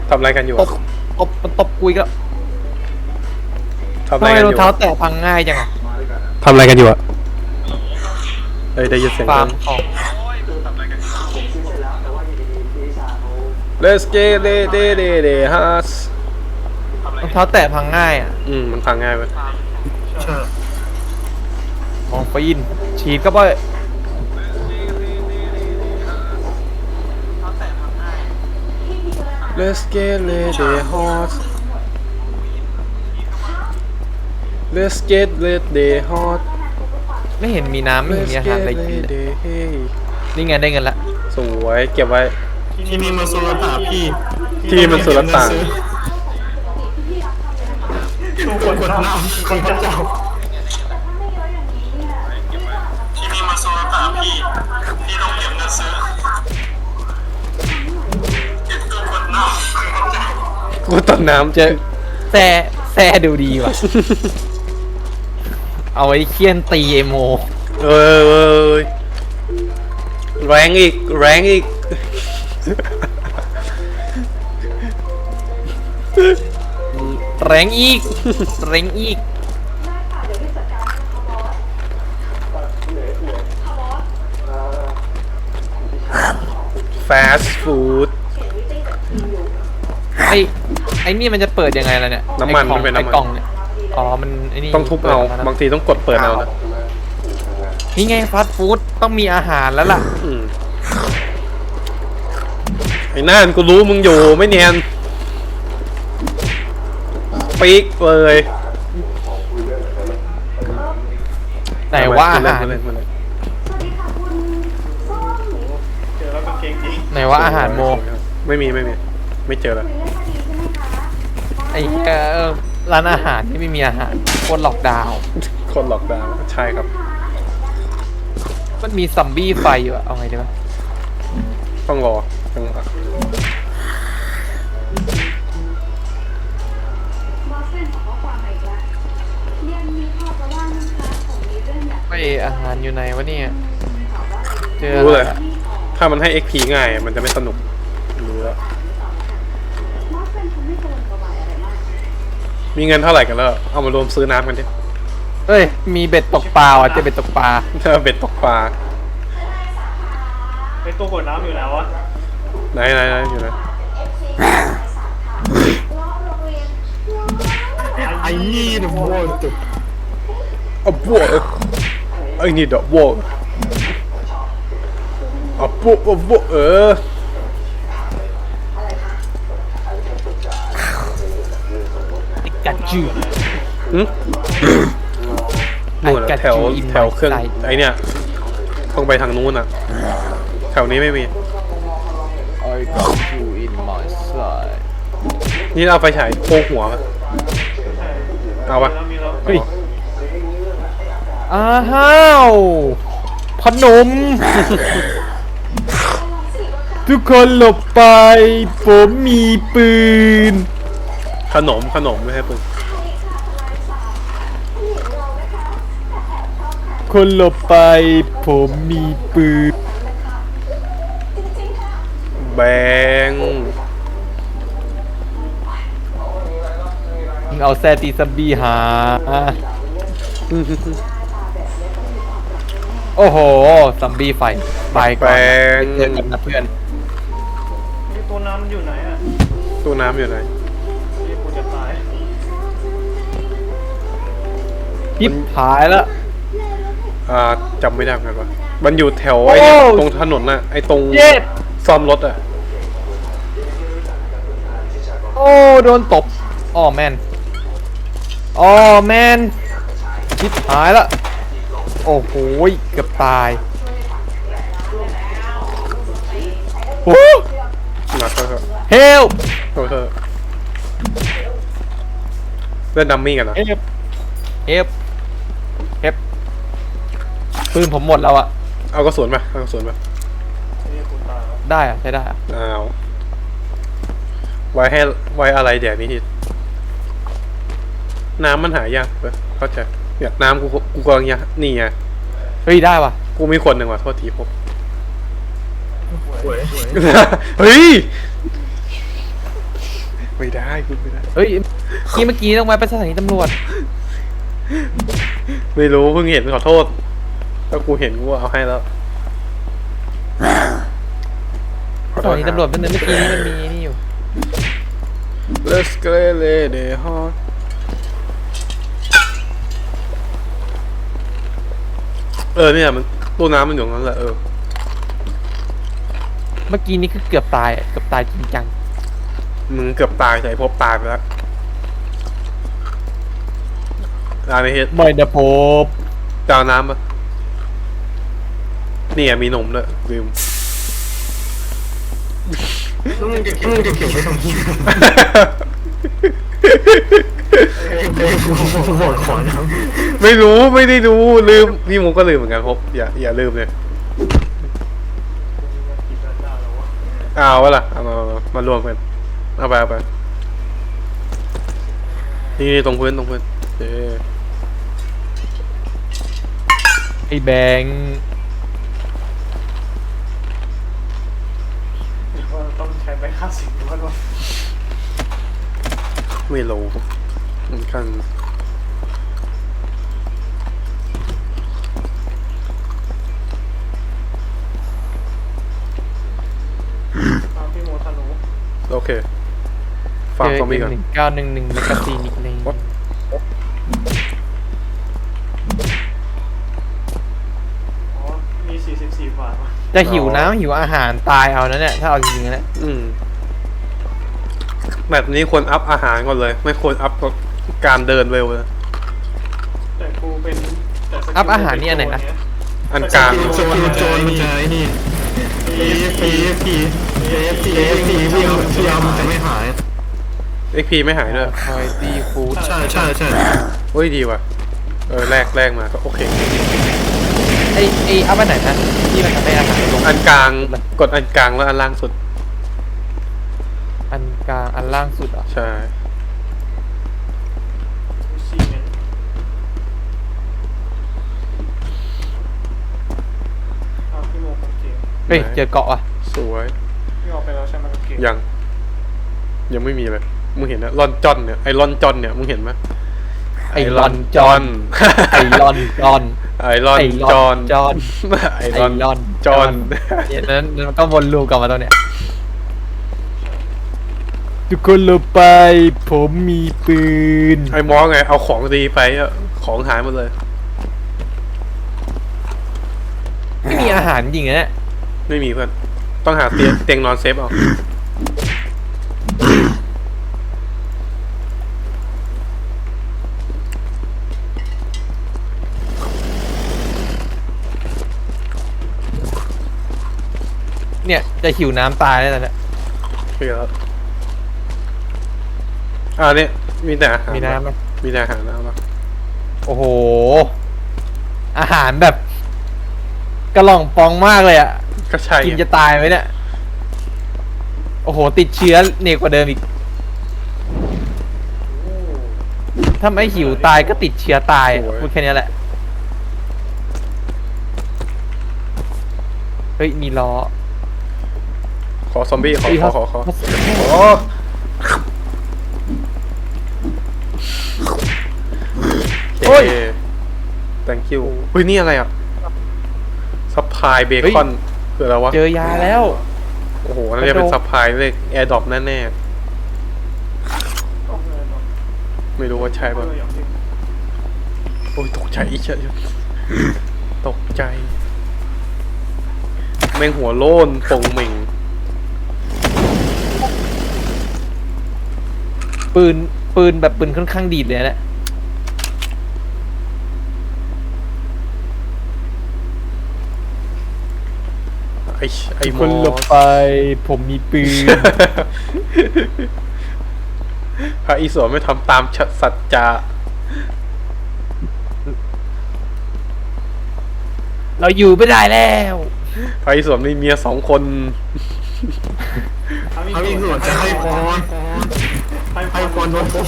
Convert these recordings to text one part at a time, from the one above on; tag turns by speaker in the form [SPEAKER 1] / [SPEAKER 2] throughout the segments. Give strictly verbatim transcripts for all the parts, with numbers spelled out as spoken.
[SPEAKER 1] ทำอะไรกันอยู่
[SPEAKER 2] ตบตบมันตบกุยก็
[SPEAKER 1] ทำ
[SPEAKER 2] ทำ
[SPEAKER 1] อะไร
[SPEAKER 2] ไม
[SPEAKER 1] กันอ
[SPEAKER 2] รอง
[SPEAKER 1] ยู่
[SPEAKER 2] เท้าแตะพังง่ายจังอะ
[SPEAKER 1] ทำอะไรกันอยู่อะเอ้ยได้ยินเสียง
[SPEAKER 2] ฟาร์มของ
[SPEAKER 1] Let's get it it it it has
[SPEAKER 2] รองเท้าแตะพังง่ายอ่ะ
[SPEAKER 1] อืมมันพังง่ายไป
[SPEAKER 2] มองฟินฉีดก็ไป
[SPEAKER 1] Let's get it it hot Let's get it it hot
[SPEAKER 2] ไม่เห็นมีน้ำไม่เห็น
[SPEAKER 1] Let's
[SPEAKER 2] มีอาหาร
[SPEAKER 1] get
[SPEAKER 2] อะไรกิน
[SPEAKER 1] it
[SPEAKER 2] เลย
[SPEAKER 1] it hey
[SPEAKER 2] นี่ไงได้เงินละ
[SPEAKER 1] สวยเก็บไว้
[SPEAKER 3] ที่นี่มันโซลตาพี่
[SPEAKER 1] ที่มันสุรต่าง
[SPEAKER 3] คนกดน้ำคนพระเจ้าที่นี่มันโซลตาพี่พี่ต้องเก็บเงินซื้อเก็บตัวกดน้ำ
[SPEAKER 1] กูต้นน้ำ
[SPEAKER 2] เจอแซ่แซ่ดูดีว่ะ เอาไว้เคี่ยนตีเอโม
[SPEAKER 1] เออเออแรงอีกแรงอีก
[SPEAKER 2] แรงอีก แรงอีก
[SPEAKER 1] fast food
[SPEAKER 2] ไอไอนี่มันจะเปิดยังไงล่ะเนี่ย
[SPEAKER 1] น้ำมัน
[SPEAKER 2] ไอ้ของ
[SPEAKER 1] มันเป็นน้ำมัน
[SPEAKER 2] ไอกล่องเนี่ยอ๋อมันไอนี่
[SPEAKER 1] ต้องทุบเอา
[SPEAKER 2] ปิดมนะ
[SPEAKER 1] บางทีต้องกดเปิดเอานะ
[SPEAKER 2] นี่ไงฟาสต์ฟู้ดต้องมีอาหารแล้วล่ะ
[SPEAKER 1] อืมไอ้น่านกูรู้มึงอยู่ไม่เนียนปีกเลย
[SPEAKER 2] แต่ว่าอาหาร
[SPEAKER 1] เล่นเล่นเล่น
[SPEAKER 3] เจอแล้วก็เก่งจริง
[SPEAKER 2] ไหนว่าอาหารโม
[SPEAKER 1] ไม่มีไม่มีไม่เจอแล้ว
[SPEAKER 2] ไอ้เหี้ยเออร้านอาหารที่ไม่มีอาหารโคตรหลอกดาวน์
[SPEAKER 1] คนหลอกดาวน์ใช่ครับ
[SPEAKER 2] มันมีซัมบี้ไฟอยู่อะเอาไงดีวะ
[SPEAKER 1] ต้องรอจังหวะ
[SPEAKER 2] ไออาหารอยู่ไหนวะเนี่ยเจอ
[SPEAKER 1] รู้
[SPEAKER 2] อะไร
[SPEAKER 1] เลย
[SPEAKER 2] อะ
[SPEAKER 1] ถ้ามันให้ เอ็กซ์ พี ง่ายมันจะไม่สนุกรู้แล้วมีเงินเท่าไหร่กันแล้วเอามารวมซื้อน้ำกันดิ
[SPEAKER 2] เอ้ยมีเบ็ดตกปลาอ่ะเจอเบ็ดตกปลา
[SPEAKER 1] ถ้าเบ็ดตกปลา
[SPEAKER 3] ไอตัวกดน้ำอยู่แล้ววะ
[SPEAKER 1] ไหนไหนไหนอยู่ไหน
[SPEAKER 3] ไอ้นี่เดอะวอลต์
[SPEAKER 1] อ่ะบวกไอ้นี่ดอกบวกอ่ะบวกอ่ะบวกเออ
[SPEAKER 2] กัดจื
[SPEAKER 1] หืมนู่นอะแถวแถวเครื่องไอเนี่ยต้องไปทางนู้นอ่ะแถวนี้ไม่มี
[SPEAKER 2] I got you in my side
[SPEAKER 1] นี่เอาไฟฉายโพกหัวปะเอาปะ
[SPEAKER 3] แล้วมีแล้ว
[SPEAKER 2] เฮ้ยอ้าวพนม ทุกคนหลบไป ผมมีปืน
[SPEAKER 1] ขนมขนมไม่ใช่ปืน
[SPEAKER 2] คนหลบไป ผมมีปืน
[SPEAKER 1] แบง
[SPEAKER 2] มึงเอาแซตีซัมบี้หา โอ้โหซัมบี้ไฟไปก่อนไปเจอกันนะเพื่อน
[SPEAKER 3] นี่ตัวน้ำมันอยู่ไหนอ่ะ
[SPEAKER 1] ตู้น้ำอยู่ไหน
[SPEAKER 3] นี่กูจะตาย
[SPEAKER 2] ยิบหายแล้ว
[SPEAKER 1] อ่าจำไม่ได้เหมือนกันว่ามันอยู่แถวไอ้
[SPEAKER 2] โอ้
[SPEAKER 1] ตรงถนนน่ะไอ้ตรง
[SPEAKER 2] เย็ด
[SPEAKER 1] ซ่อมรถอ่ะ
[SPEAKER 2] โอ้โดนตบอ๋อแมนอ๋อแมนยิบหายแล้วโอ้โหเกือบตายโอ้
[SPEAKER 1] มาเถอะ
[SPEAKER 2] เฮล
[SPEAKER 1] เถอะเถอะเล่นดัมมี่กันนะ
[SPEAKER 2] เฮฟเฮฟเฮฟปืนผมหมดแล้วอะ
[SPEAKER 1] เอากระสุนมาเอากระสุนมา
[SPEAKER 3] นี่กูตายแล้ว
[SPEAKER 2] ได้อะใช้ได้อะ
[SPEAKER 1] อ้าวไว้ให้ไว้อะไรเดี๋ยวนี้ทีน้ำมันหายากเว้ยเข้าใจเนี่ยน้ำกูกูกำลังยานี่ไง
[SPEAKER 2] เฮ้ยได้ว่ะ
[SPEAKER 1] กูมีคนหนึ่งว่ะโทษทีผม
[SPEAKER 3] หวย
[SPEAKER 1] เฮ้ยไม่ได้คุณไม่ได้
[SPEAKER 2] เฮ้ยเมื่อกี้เมื่อกี้ต้องมาไปสถานีตำรวจ
[SPEAKER 1] ไม่รู้เพิ่งเห็นขอโทษถ้ากูเห็นกูเอาให้แล้วขอ
[SPEAKER 2] ส
[SPEAKER 1] โทษ
[SPEAKER 2] ถานีตำรวจเป็นเมื่อกี้นี้มันมีนี่อยู่
[SPEAKER 1] Let's go the hot เออเนี่ยมันตู้น้ำมันอยู่ตรงนั้นแหละเออ
[SPEAKER 2] เมื่อกี้นี้คือเกือบตายอะเกือบตายจริงจัง
[SPEAKER 1] มึงเกือบตายแต่ไอ้พบตายไปแล้วร้านในเฮ็ด
[SPEAKER 2] ไม่นะพบ
[SPEAKER 1] จาวน้ำปะนี่อะมีนมด้วยลืม
[SPEAKER 3] แล้วมึงจะมึงจะเก็บไว้ทำไมหมดขอน
[SPEAKER 1] ไม่รู้ไม่ได้รู้ลืมพี่มุกก็ลืมเหมือนกันพบอย่าอย่าลืมเลยเอาวะล่ะเอามามามารวมกันเอาไปเอาไปนี่ตรงพื้นตรงพื้นเออ
[SPEAKER 2] ไอ้แบงค์
[SPEAKER 3] ต้องใช้ใบค่าสินหรือว่า
[SPEAKER 1] ไม่รู้เหมือนกัน
[SPEAKER 3] พี่โมทานุ
[SPEAKER 1] โอเคฝาก
[SPEAKER 2] เจอ
[SPEAKER 1] ซอมบี้ก่อน
[SPEAKER 2] หนึ่งเก้าหนึ่งหนึ่งแมกกาซีนอีกเลย
[SPEAKER 3] อ๋อมีสี่สิบสี่บาท
[SPEAKER 2] จะหิวน้ำหิวอาหารตายเอานะเนี่ยถ้าเอาจริงๆนะ
[SPEAKER 1] อืมแบบนี้ควรอัพอาหารก่อนเลย ไม่ควรอัพการเดินเร็วเลย
[SPEAKER 3] แต่กูเป็น
[SPEAKER 2] อัพอาหารนี่อันไหนนะ
[SPEAKER 1] อันกลาง
[SPEAKER 3] โจรโจรมันจะไอ้นี่เอฟพีเอฟพีเอฟพีเอฟพีพี่เอาพี่เอามันจะไม่หาย
[SPEAKER 1] เอ็กพีไม่หายด้วย
[SPEAKER 2] คอยตีฟูด
[SPEAKER 3] ใช่ใช่ใช่
[SPEAKER 1] เฮ้ยดีว่ะเออแรกแรกมาก็โอเค
[SPEAKER 2] ไอ้ไอ้อัพอันไหนนะที่มันทำให้อาหารลง
[SPEAKER 1] อันกลางกดอันกลางแล้วอันล่างสุด
[SPEAKER 2] อันกลางอันล่างสุดอ่ะ
[SPEAKER 1] ใช่
[SPEAKER 3] สี่เมตรอ้าวพี่โมของเกม
[SPEAKER 2] เฮ้ยเจอเกาะอ่ะ
[SPEAKER 1] สวย
[SPEAKER 3] พี่ออกไปแล้วใช่ไหมกับเกม
[SPEAKER 1] ยังยังไม่มีเลยมึงเห็นนะลอนจอนเนี่ยไอลอนจอนเนี่ยมึงเห็นไหม
[SPEAKER 2] ไอรอนจอนไอรอนจอน
[SPEAKER 1] ไอรอน
[SPEAKER 2] ไอร
[SPEAKER 1] จ
[SPEAKER 2] อ
[SPEAKER 1] อน
[SPEAKER 2] นจอน
[SPEAKER 1] ไอ
[SPEAKER 2] ไอ
[SPEAKER 1] รอน
[SPEAKER 2] รอน
[SPEAKER 1] จอน
[SPEAKER 2] เนี่ยนั้นมันก็วนลูปกลับมาตรงเนี้ยทุกคนลงไปผมมีปืน
[SPEAKER 1] ไอมอไงเอาของดีไปอะของหายหมดเลย
[SPEAKER 2] ไม่มีอาหารจริงๆนะเนี่ย
[SPEAKER 1] ไม่มีเพื่อนต้องหาเตียงเตียงนอนเซฟเอา
[SPEAKER 2] เนี่ยจะหิวน้ำตายแล้วตอนเนี้ย
[SPEAKER 1] เพื่อแล้วอ่าเนี่ยมีแต่อาหาร
[SPEAKER 2] มีน้ำไหม
[SPEAKER 1] มีแต่อาหารแล้วปะ
[SPEAKER 2] โอ้โห อาหารแบบกระหล่องปองมากเลยอ่ะ
[SPEAKER 1] ก็ใช่
[SPEAKER 2] กินจะตายไหมเนี่ย โอ้โห ติดเชื้อเนกกว่าเดิมอีก ถ้าไม่หิวตายก็ติดเชื้อตายอะพูดแค่นี้แหละ เฮ้ย มีล้อ
[SPEAKER 1] ขอซอมบี้ขอ
[SPEAKER 2] เฮ้ย
[SPEAKER 1] ขอขอขอ
[SPEAKER 2] เขา
[SPEAKER 1] โอ้
[SPEAKER 2] โอ้ย
[SPEAKER 1] thank you เฮ้ยนี่อะไรอ่ะซัพพลายเบคอนคืออะไรวะ
[SPEAKER 2] เจอยาแล้ว
[SPEAKER 1] โอ้โหน่าจะเป็นซัพพลายเลขแอร์ดรอปแน่
[SPEAKER 3] ต้องเลยเนาะ
[SPEAKER 1] ๆไม่รู้ว่าใช่ป่ะ
[SPEAKER 3] เอออย่างที่
[SPEAKER 1] โอ้ยตกใจอีกเชยตกใจ แม่งหัวโล้นปงเหม่ง
[SPEAKER 2] ปืน ปืนแบบปืนค่อนข้างดีดเลยนะ
[SPEAKER 1] ไอ้ไอ้หม
[SPEAKER 2] คน
[SPEAKER 1] อ
[SPEAKER 2] หลบไป ผมมีปืน
[SPEAKER 1] พระอิศวรไม่ทำตามสัจจะ
[SPEAKER 2] เราอยู่ไม่ได้แล้ว
[SPEAKER 1] พระอิศวรมีเมียสองคน
[SPEAKER 3] เขามีส่วนจะให้พรให้พรโดนผม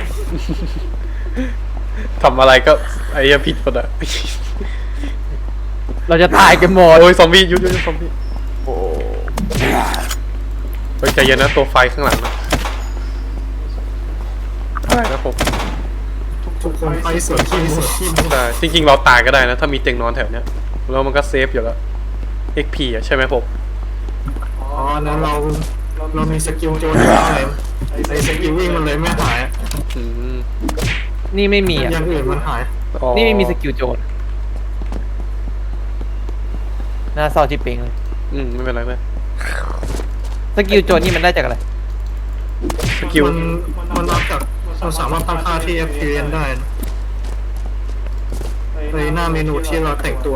[SPEAKER 1] ทำอะไรก็ไอ้เหี้ยผิดหมดอะ
[SPEAKER 2] เราจะตายกันหมด
[SPEAKER 1] โอ้ยซอมบี้ยุดยุดซอมบี้โอ้ยใจเย็นนะตัวไฟข้างหลังนะได้นะผม
[SPEAKER 3] ทุกคนไปสวนขี้มูขี้มู
[SPEAKER 1] ได้จริงๆเราตายก็ได้นะถ้ามีเตียงนอนแถวเนี้ยแล้วมันก็เซฟอยู่แล้ว เอ็ก พี อ่ะใช่ไหมผม
[SPEAKER 3] อ๋อแล้วเราเรามีสกิลโจนอะไรไอสกิลวิ่งมันเลยไม่หาย
[SPEAKER 1] อืม
[SPEAKER 2] นี่ไม่มีอ่ะ
[SPEAKER 3] อย่างอื่นมันหาย
[SPEAKER 1] อ๋อ
[SPEAKER 2] นี่ไม่มีสกิลโจรหน้าเศร้าชิบเป่งเลย
[SPEAKER 1] อืมไม่เป็นไรเลย
[SPEAKER 2] สกิลโจรนี่มันได้จากอะไร
[SPEAKER 1] สกิล
[SPEAKER 3] มันมันรับจากเราสามารถตั้งค่าที่ เอฟ พี เอ็น ได้นะในหน้าเมนูที่เราแต่งตัว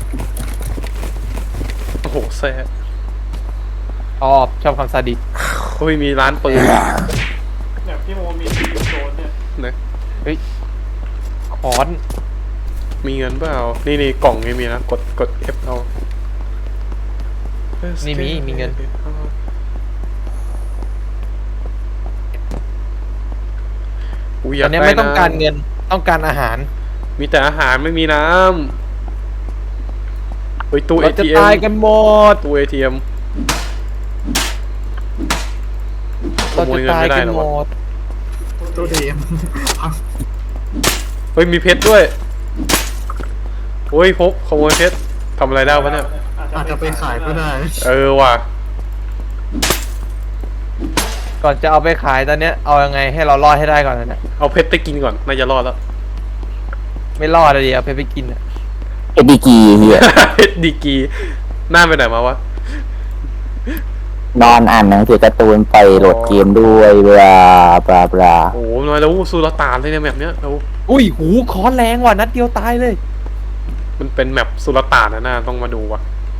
[SPEAKER 1] โอ้โหแซ่
[SPEAKER 2] อ๋อชอบคำซาดิส
[SPEAKER 1] โอ้ยมีร้านปืน
[SPEAKER 3] แบบที่โมมีสกิลโจนเนี่ย
[SPEAKER 1] นะ
[SPEAKER 2] เฮ้ยคอน
[SPEAKER 1] มีเงินเปล่านี่นี่กล่องไม่มีนะกดกด F เอา
[SPEAKER 2] นี่มีมีเงิน
[SPEAKER 1] กูอ
[SPEAKER 2] ต
[SPEAKER 1] ยา
[SPEAKER 2] อก นนี้
[SPEAKER 1] ได้
[SPEAKER 2] ไม่ต้องการ
[SPEAKER 1] น้ำ
[SPEAKER 2] เงินต้องการอาหาร
[SPEAKER 1] มีแต่อาหารไม่มีน้ำเฮ้ยตู้
[SPEAKER 2] เราจะ
[SPEAKER 1] เอ ที เอ็ม
[SPEAKER 2] ตายกันหมด
[SPEAKER 1] ตู้ เอ ที เอ็ม
[SPEAKER 2] เราจะตายกันหมด
[SPEAKER 3] ตัวดี
[SPEAKER 1] เฮ้ยมีเพชรด้วยโอ้ยพบขโมยเพชรทำอะไรได้วะเนี่ย
[SPEAKER 3] อาจจะไปขายก็ได้
[SPEAKER 1] เออว่ะ
[SPEAKER 2] ก่อนจะเอาไปขายตอนเนี้ยเอายังไงให้เรารอดให้ได้ก่อนนะเนี่ย
[SPEAKER 1] เอาเพชรไปกินก่อนน่าจะรอดแล้ว
[SPEAKER 2] ไม่รอดเลยดิเอาไปไปกินอ่ะ
[SPEAKER 4] เอ็ดดีกีเฮีย
[SPEAKER 1] เพชรดีกรีหน้าไปไหนมาวะ
[SPEAKER 4] นอนอ่านหนังสือการ์ตูนไปโหลดเกมด้วยบลาบลาบลา
[SPEAKER 1] โอ้โหมาแล้วสุลต่านเลยเนี่ยแบบเนี้ยเรา
[SPEAKER 2] อุ้ยหูคอนแรงว่ะนัดเดียวตายเลย
[SPEAKER 1] มันเป็นแมปสุลต่านนะน่าต้องมาดูว่ะ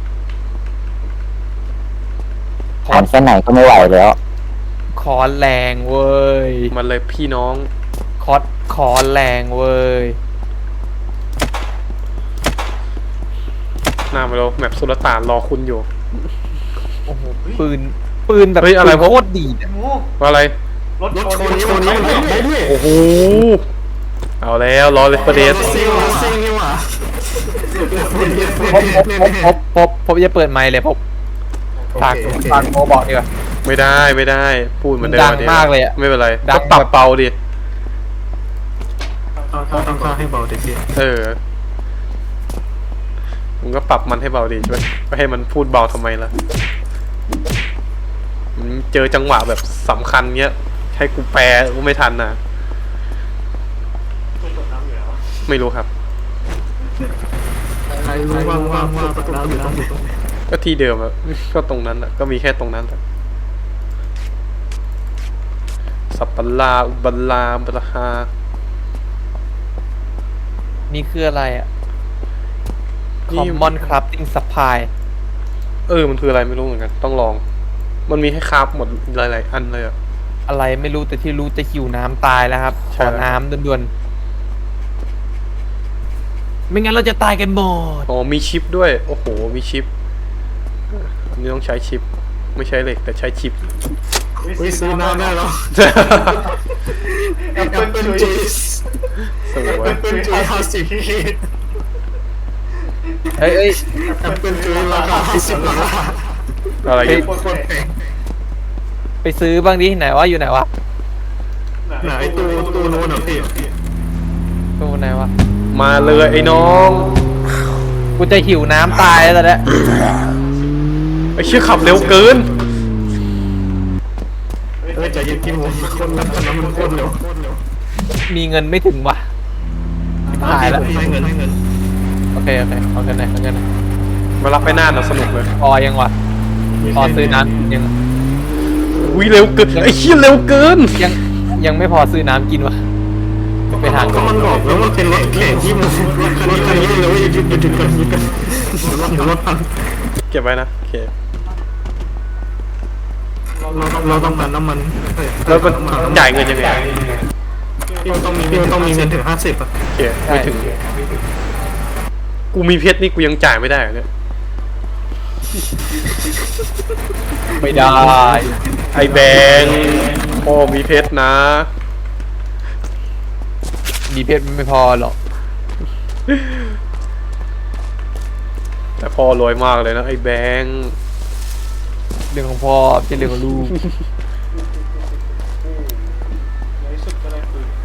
[SPEAKER 4] อ่านแค่ไหนก็ไม่ไหวแล้ว
[SPEAKER 2] คอนแรงเว้ย
[SPEAKER 1] มันเลยพี่น้อง
[SPEAKER 2] คอสคอนแรงเว้ย
[SPEAKER 1] หน้ามาแล้วแมปสุลต่านรอคุณอยู่
[SPEAKER 2] โอ้โหปืนปืนแบบ
[SPEAKER 1] เฮ้ยอะไร
[SPEAKER 2] ปืน
[SPEAKER 1] พวก
[SPEAKER 2] โคตรดีดอะ
[SPEAKER 1] ว่าอะไร
[SPEAKER 3] รถโชว์นี้มันขับได้ด้วย
[SPEAKER 1] โอ้โหเอาแล้วรอเลยประเดส
[SPEAKER 3] ซิ่งซิ่งนี่หว่า
[SPEAKER 2] พบพบพบพบพบพบจะเปิดไมค์เลยพบฝากฝากโมบอกดีกว่า
[SPEAKER 1] ไม่ได้ไม่ได้พูดเหมือนเดิม
[SPEAKER 2] ดัง
[SPEAKER 1] ดิ
[SPEAKER 2] มากเลยอะ
[SPEAKER 1] ไม่เป็นไร
[SPEAKER 2] ดัง
[SPEAKER 1] ก็ปรับ
[SPEAKER 2] แบบ
[SPEAKER 1] เบาดิ
[SPEAKER 3] ต้องต้องค่าให้เบาเด็ก
[SPEAKER 1] เออมึงก็ปรับมันให้เบาดิช่วยไม่ให้มันพูดเบาทำไมล่ะมันเจอจังหวะแบบสำคัญเงี้ยให้กูแปลกูไม่ทันนะไม่รู้ครับ
[SPEAKER 3] ใครรู้บ้างว่าว่าประตูน้ำอยู่ตรงไหน
[SPEAKER 1] ก็ที่เดิมอะก็ตรงนั้นอะก็มีแค่ตรงนั้นอะสัปปะลาอุบัลลาบลาฮา
[SPEAKER 2] นี่คืออะไรอ่ะ
[SPEAKER 1] นี่
[SPEAKER 2] Common Crafting Supply
[SPEAKER 1] เออมันคืออะไรไม่รู้เหมือนกัน ต้องลอง มันมีให้คราฟหมดหลายๆอันเลยอะ
[SPEAKER 2] อะไรไม่รู้แต่ที่รู้จะหิวน้ำตายแล้วครับข
[SPEAKER 1] ใช่
[SPEAKER 2] อน้ำด่วนๆไม่งั้นเราจะตายกันหมด
[SPEAKER 1] อ๋อมีชิปด้วยโอ้โหมีชิปอันนี้ต้องใช้ชิป ไม่ใช้เหล็กแต่ใช้ชิป
[SPEAKER 3] วิซื้อน้ำได้แล้วแอปเปิลจูส
[SPEAKER 1] สวย
[SPEAKER 3] แอปเปิลจูสห้าสิบ
[SPEAKER 2] เฮ้ยเอ้ย
[SPEAKER 3] แอปเปิลจูสราคาห้าสิบดอลลาร์
[SPEAKER 1] อะไร
[SPEAKER 2] เฮ้ย
[SPEAKER 3] โคตรแพง
[SPEAKER 2] ไปซื้อบ้างดิไหนวะอยู่ไหนวะ
[SPEAKER 3] ไหนตู้ตู้โน้นอ่ะพี่
[SPEAKER 2] ตู้ไหนวะ
[SPEAKER 1] มาเลยไอ้น้อง
[SPEAKER 2] กูจะหิวน้ำตายแล้วตอนเนี้ย
[SPEAKER 1] ไอ้เชี่ยขับเร็วเกิน
[SPEAKER 3] เออใจเย็นพี่หมูคนนั้นคนนั้นมันโคตรเร็ว
[SPEAKER 2] มีเงินไม่ถึงว่ะหายแล้ว
[SPEAKER 3] ให้เงินให้เงิน
[SPEAKER 2] โอเคโอเคเอาเงินไหนอยเอาเงินไหนอย
[SPEAKER 1] มารับไปหน้าน่ะสนุกเลย
[SPEAKER 2] พอยังวะพอซื้อน้ำยัง
[SPEAKER 1] อุ้ยเร็วเกินไอ้เชี่ยเร็วเกิน
[SPEAKER 2] ยังยังไม่พอซื้อน้ำกินวะไปทาง
[SPEAKER 3] ก็มันบอกแล้วมันเป็นรถแข่งที่มันรถคันนี้เลยว่าหยุดหยุดหยุดกันหยุดกันรถรถพัน
[SPEAKER 1] เก็บไว้นะโอเค
[SPEAKER 3] เราต้องเราต้องการน้ำมัน
[SPEAKER 1] แล้วมันจ่ายเงินยังไง
[SPEAKER 3] พี่มันต้องมีพี่มันต้องมีเงินถึงห้าสิบอ่ะ
[SPEAKER 1] โอเคไม่ถึง กูมีเพชรนี่กูยังจ่ายไม่ได้เหรอเนี่ย
[SPEAKER 2] ไม่ได้
[SPEAKER 1] ไอ้แบงค์พ่อมีเพชรนะ
[SPEAKER 2] มีเพชรมันไม่พอหรอก
[SPEAKER 1] แต่พ่อรวยมากเลยนะไอ้แบงค์
[SPEAKER 2] เรื่องของพ่อไม่ใช่เรื่องของลูก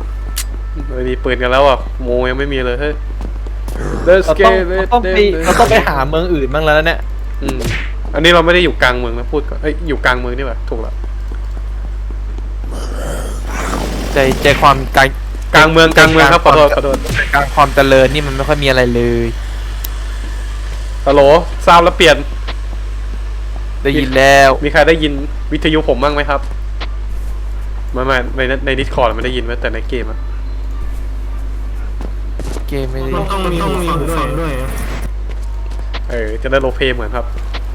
[SPEAKER 1] ไม่มีปืนกันแล้วอ่ะโมยังไม่มีเลยเฮ้ย Let's
[SPEAKER 2] เราต้อง
[SPEAKER 1] get
[SPEAKER 2] เรา
[SPEAKER 1] it
[SPEAKER 2] ต้องไปเราต้องไปหาเมืองอื่นบ้างแล้วนะเนี่ย
[SPEAKER 1] อืมอันนี้เราไม่ได้อยู่กลางเมืองนะพูดก่อนเอ้ยอยู่กลางเมืองนี่หว่าถูกแล้ว
[SPEAKER 2] ใจใจความกลาง
[SPEAKER 1] กลางเมืองกลางเมืองครับขอโทษขอโทษ
[SPEAKER 2] กลางความเจริญนี่มันไม่ค่อยมีอะไรเลย
[SPEAKER 1] ฮัลโหลทราบแล้วเปลี่ยน
[SPEAKER 2] ได้ยินแล้ว
[SPEAKER 1] มีใครได้ยินวิทยุผมบ้างไหมครับไม่ไม่ในในดิสคอร์ดไม่ได้ยินแต่ในเกมอะ
[SPEAKER 2] เกมไม่ได้
[SPEAKER 3] มันต้องมีต้องมีหูฟังด้วย
[SPEAKER 1] เออจะได้โรลเพลย์เหมือนครับ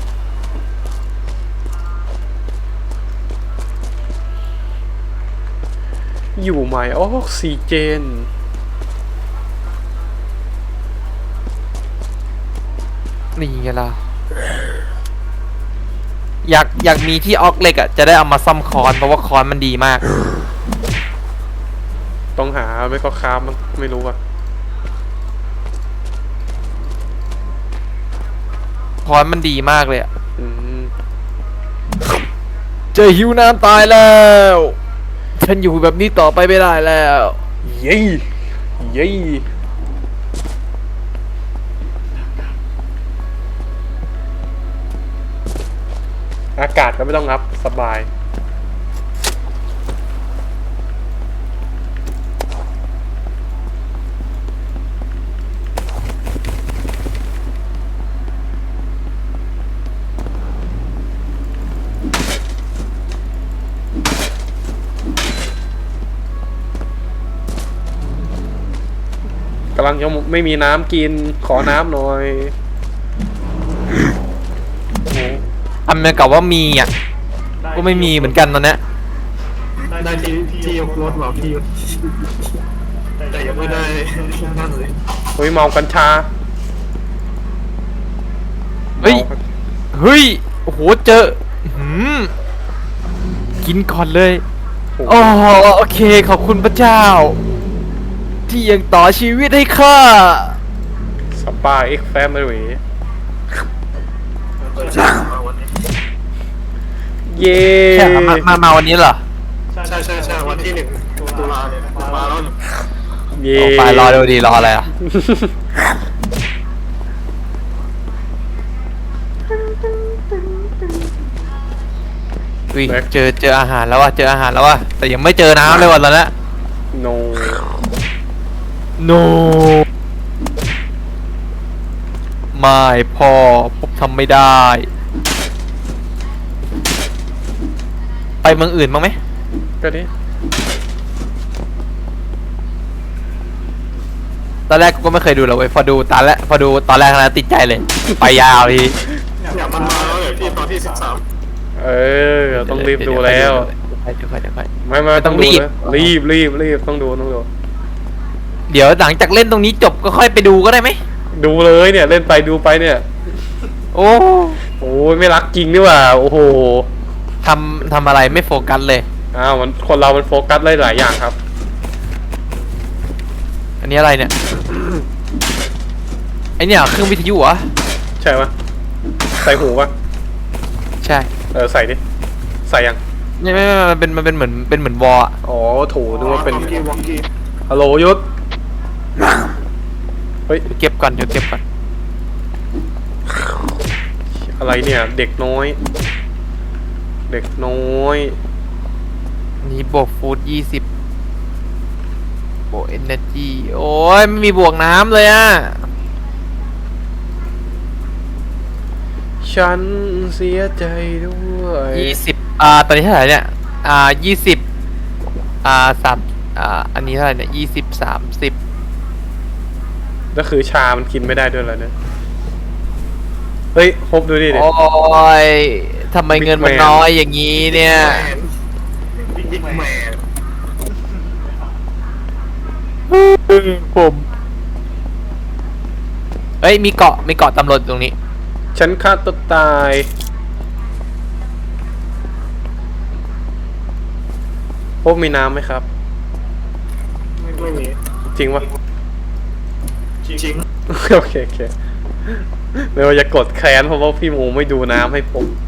[SPEAKER 1] อยู่ไหมออกซิเจน
[SPEAKER 2] นี่ไงล่ะอยากอยากมีที่ออกเหล็กอ่ะจะได้เอามาซ่อมคอนเพราะว่าคอนมันดีมาก
[SPEAKER 1] ต้องหาไม่ก็ค้ามันไม่รู้อ่ะ
[SPEAKER 2] คอนมันดีมากเลยอ่ะ
[SPEAKER 1] อืม
[SPEAKER 2] เจอหิวน้ำตายแล้ว ฉันอยู่แบบนี้ต่อไปไม่ได้แล้ว
[SPEAKER 1] เย้เย้อากาศก็ไม่ต้องรับสบายกำลังจะไม่มีน้ำกินขอน้ำหน่อยโอ้
[SPEAKER 2] ทำเหมือนกับว่ามีอ่ะก็ไม่มีเหมือนกันตอนเนี้ย
[SPEAKER 3] ได้ที่ที่ยกรถบอกพี่ยุทธแต่ยังไม่ได้นั่นเลย
[SPEAKER 1] เฮ้ยเมากัญชา
[SPEAKER 2] เฮ้ยเฮ้ยโอ้โหเจออื้อหือกินก่อนเลย
[SPEAKER 1] โอ้
[SPEAKER 2] โอ้โอเคขอบคุณพระเจ้า ที่ยังต่อชีวิตให้ข้า
[SPEAKER 1] สปาเอ็กแฟมิลี่เย้
[SPEAKER 2] แค่มามามาวันนี้เหรอ
[SPEAKER 3] ใช่ใช่ใช่วันที่หนึ่งตุลาเนี่ยมาแล้ว
[SPEAKER 1] เย้
[SPEAKER 2] ออกไปรอดูดีรออะไรอ่ะอุ้ยเจอเจออาหารแล้วว่ะเจออาหารแล้วว่ะแต่ยังไม่เจอน้ำเลยวันตอนนี้
[SPEAKER 1] โน
[SPEAKER 2] no ไม่พ่อผมทำไม่ได้ ไปเมืองอื่นบ้างไหม
[SPEAKER 1] ก็ดิ
[SPEAKER 2] ตอนแรกกูก็ไม่เคยดูหรอกเว้ยพอดูตอนแรกพอดูตอนแรกนะติดใจเลย ไปยาวที
[SPEAKER 3] เนี่ยมันมาแล้วเนี่ยพี่ตอนที่สิบสาม
[SPEAKER 1] เออต้องรีบดูแล้ว
[SPEAKER 2] เดี๋ยวค่อยเดี๋ยวค่อย
[SPEAKER 1] ไม่ไม่
[SPEAKER 2] ต้องรีบ
[SPEAKER 1] นะรีบรีบรีบต้องดูต้องดู
[SPEAKER 2] เดี๋ยวหลังจากเล่นตรงนี้จบก็ค่อยไปดูก็ได้ไหม
[SPEAKER 1] ดูเลยเนี่ยเล่นไปดูไปเนี่ย
[SPEAKER 2] โอ้
[SPEAKER 1] โอ้ยไม่รักจริงนี่หว่าโอ้โห
[SPEAKER 2] ทำทำอะไรไม่โฟกัสเลย
[SPEAKER 1] อ้าวมันคนเรามันโฟกัสได้หลายอย่างครับ
[SPEAKER 2] อันนี้อะไรเนี่ย ไอเนี่ยเครื่องวิทยุเหรอ
[SPEAKER 1] ใช่ปะใส่หูปะ
[SPEAKER 2] ใช่
[SPEAKER 1] เออใส่ดิใส่ยัง
[SPEAKER 2] ไม่ไม่ไม่มันเป็นมันเป็นเหมือนเป็นเหมือนวอลอะ
[SPEAKER 1] อ๋อโถูดูว่าเป็น
[SPEAKER 3] วอกกี้วอกกี้
[SPEAKER 1] ฮัลโหลยุทธเฮ้ย
[SPEAKER 2] เดี๋ยวเก็บก่อนเดี๋ยวเก็บก่อน
[SPEAKER 1] อะไรเนี่ยเด็กน้อย เด็กน้อย
[SPEAKER 2] นี่บวกฟูดยี่สิบบวกเอเนอร์จีโอ้ยไม่มีบวกน้ำเลยอ่ะ
[SPEAKER 1] ฉันเสียใจด้วย
[SPEAKER 2] ยี่สิบอ่าตอนนี้เท่าไหร่เนี่ยอ่ายี่สิบอ่าสามอ่าอันนี้เท่าไหร่เนี่ยยี่สิบสามสิบ
[SPEAKER 1] ก็คือชามันกินไม่ได้ด้วยเหรอเนี่ยเฮ้ยพบดูดิเด็
[SPEAKER 2] โอ้ยทำไมเงินมัน
[SPEAKER 1] Big Man
[SPEAKER 2] น้อยอย่างนี้เนี่ย
[SPEAKER 3] บิ๊กแมน
[SPEAKER 2] ผมเอ้ยมีเกาะมีเกาะตำรวจอยู่ตรงนี้
[SPEAKER 1] ฉันฆ่าตัวตายพบมีน้ำไหมครับ
[SPEAKER 3] ไม่มี
[SPEAKER 1] จริงปะ
[SPEAKER 3] จริง
[SPEAKER 1] โอเคโอเคไม่ว่าจะกดแค้นเพราะว่าพี่หมูไม่ดูน้ำให้ผม